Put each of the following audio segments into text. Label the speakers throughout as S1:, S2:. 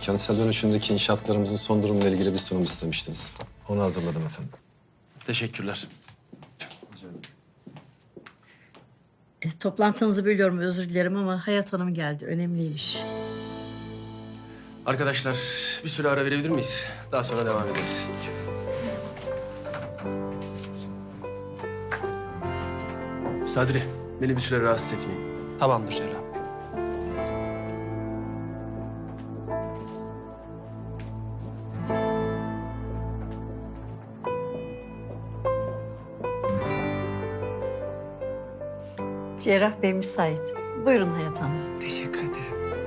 S1: Kentsel dönüşümdeki inşaatlarımızın son durumuyla ilgili bir sunum istemiştiniz. Onu hazırladım efendim.
S2: Teşekkürler.
S3: Toplantınızı bölüyorum, özür dilerim ama Hayat Hanım geldi. Önemliymiş.
S2: Arkadaşlar bir süre ara verebilir miyiz? Daha sonra devam ederiz. Sadri, beni bir süre rahatsız etmeyin.
S4: Tamamdır Cerrah Bey.
S3: Cerrah Bey müsait. Buyurun Hayat Hanım.
S5: Teşekkür ederim.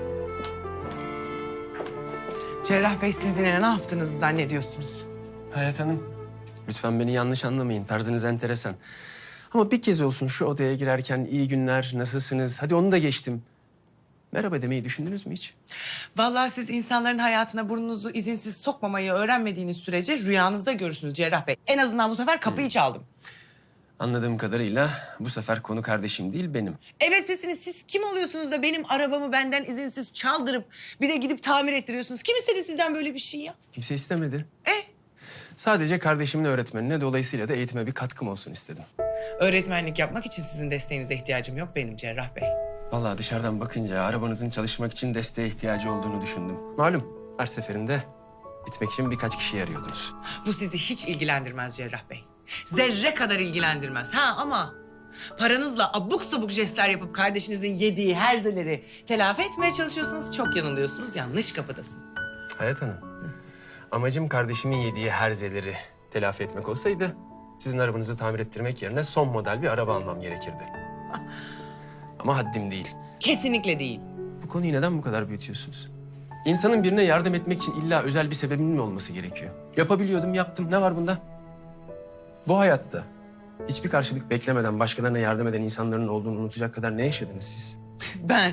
S5: Cerrah Bey, siz yine ne yaptığınızı zannediyorsunuz?
S2: Hayat Hanım, lütfen beni yanlış anlamayın. Tarzınız enteresan. Ama bir kez olsun şu odaya girerken iyi günler, nasılsınız? Hadi onu da geçtim. Merhaba demeyi düşündünüz mü hiç?
S5: Vallahi siz insanların hayatına burnunuzu izinsiz sokmamayı öğrenmediğiniz sürece rüyanızda görürsünüz Cerrah Bey. En azından bu sefer kapıyı çaldım.
S2: Anladığım kadarıyla bu sefer konu kardeşim değil benim.
S5: Evet sizsiniz. Siz kim oluyorsunuz da benim arabamı benden izinsiz çaldırıp bir de gidip tamir ettiriyorsunuz? Kim istedi sizden böyle bir şey ya?
S2: Kimse istemedi. Sadece kardeşimin öğretmenine, dolayısıyla da eğitime bir katkım olsun istedim.
S5: Öğretmenlik yapmak için sizin desteğinize ihtiyacım yok benim Cerrah Bey.
S2: Vallahi dışarıdan bakınca arabanızın çalışmak için desteğe ihtiyacı olduğunu düşündüm. Malum her seferinde gitmek için birkaç kişi arıyordunuz.
S5: Bu sizi hiç ilgilendirmez Cerrah Bey. Zerre kadar ilgilendirmez. Ha ama paranızla abuk sabuk jestler yapıp kardeşinizin yediği herzeleri telafi etmeye çalışıyorsunuz. Çok yanılıyorsunuz. Yanlış kapıdasınız.
S2: Hayat Hanım, amacım kardeşimin yediği herzeleri telafi etmek olsaydı sizin arabanızı tamir ettirmek yerine son model bir araba almam gerekirdi. Ama haddim değil.
S5: Kesinlikle değil.
S2: Bu konuyu neden bu kadar büyütüyorsunuz? İnsanın birine yardım etmek için illa özel bir sebebin mi olması gerekiyor? Yapabiliyordum, yaptım. Ne var bunda? Bu hayatta hiçbir karşılık beklemeden başkalarına yardım eden insanların olduğunu unutacak kadar ne yaşadınız siz?
S5: Ben.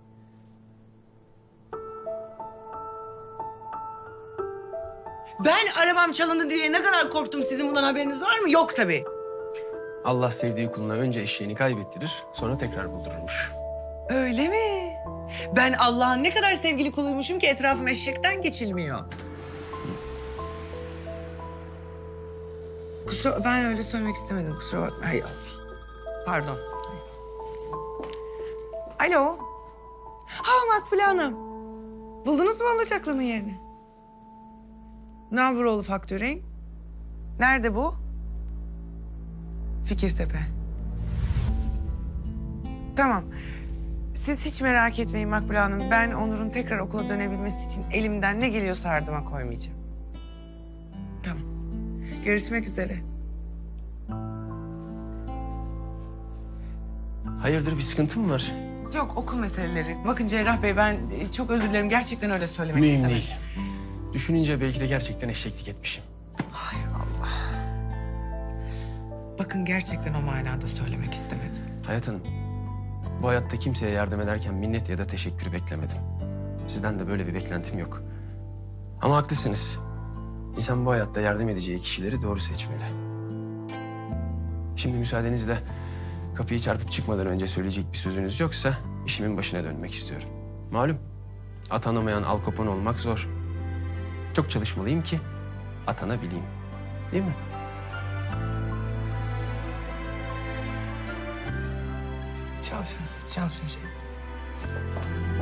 S5: Ben arabam çalındı diye ne kadar korktum. Sizin bundan haberiniz var mı? Yok tabii.
S2: Allah sevdiği kuluna önce eşeğini kaybettirir, sonra tekrar buldururmuş.
S5: Öyle mi? Ben Allah'ın ne kadar sevgili kuluymuşum ki etrafım eşekten geçilmiyor. Ben öyle söylemek istemedim. Kusura bakma. Hay Allah. Pardon. Alo. Ha Makbule Hanım. Buldunuz mu alacaklının yerini? Nalburoğlu Faktörink. Nerede bu? Fikirtepe. Tamam. Siz hiç merak etmeyin Makbule Hanım. Ben Onur'un tekrar okula dönebilmesi için elimden ne geliyorsa ardıma koymayacağım. Tamam. Görüşmek üzere.
S2: Hayırdır, bir sıkıntı mı var?
S5: Yok okul meseleleri. Bakın Cerrah Bey ben çok özür dilerim. Gerçekten öyle söylemek
S2: Mühim
S5: istemedim.
S2: değil. Düşününce belki de gerçekten eşeklik etmişim.
S5: Hay Allah. Bakın gerçekten o manada söylemek istemedim.
S2: Hayat Hanım, bu hayatta kimseye yardım ederken minnet ya da teşekkür beklemedim. Sizden de böyle bir beklentim yok. Ama haklısınız. İnsan bu hayatta yardım edeceği kişileri doğru seçmeli. Şimdi müsaadenizle kapıyı çarpıp çıkmadan önce söyleyecek bir sözünüz yoksa işimin başına dönmek istiyorum. Malum atanamayan Al Capone olmak zor. Çok çalışmalıyım ki atanabileyim. Değil mi?
S5: Çalışın siz, çalışın şey.